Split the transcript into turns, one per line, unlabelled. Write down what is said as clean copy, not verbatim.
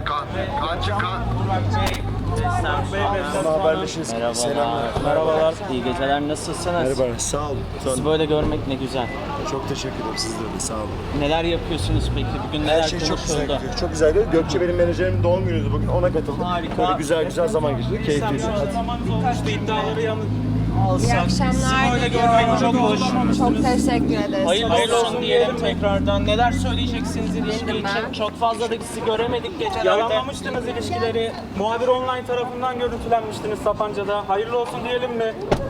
Haberleşiriz.
Merhabalar. Merhabalar. İyi geceler. Nasılsınız?
Merhaba, sağ olun.
Sizi böyle görmek ne güzel.
Çok teşekkür ederim sizlere de, sağ olun.
Neler yapıyorsunuz peki? Bugün neler
Her şey çok güzel
konuşuldu?
gidiyor. Çok güzel gidiyor. Gökçe benim menajerimin doğum günüydü bugün, ona katıldım.
Harika.
Böyle güzel zaman geçirdik, keyifliydi.
Zamanınız olmuştu, iddiaları yanıt
İyi akşamlar.
Sizi böyle görmek çok hoş.
Çok teşekkür ederiz.
Hayırlı olsun diyelim tekrardan. Neler söyleyeceksiniz ilişki
Bildim
için?
ben.
Çok fazla da sizi göremedik gecelerde.
yalanlamıştınız ilişkileri. Muhabir online tarafından görüntülenmiştiniz Sapanca'da. Hayırlı olsun diyelim mi?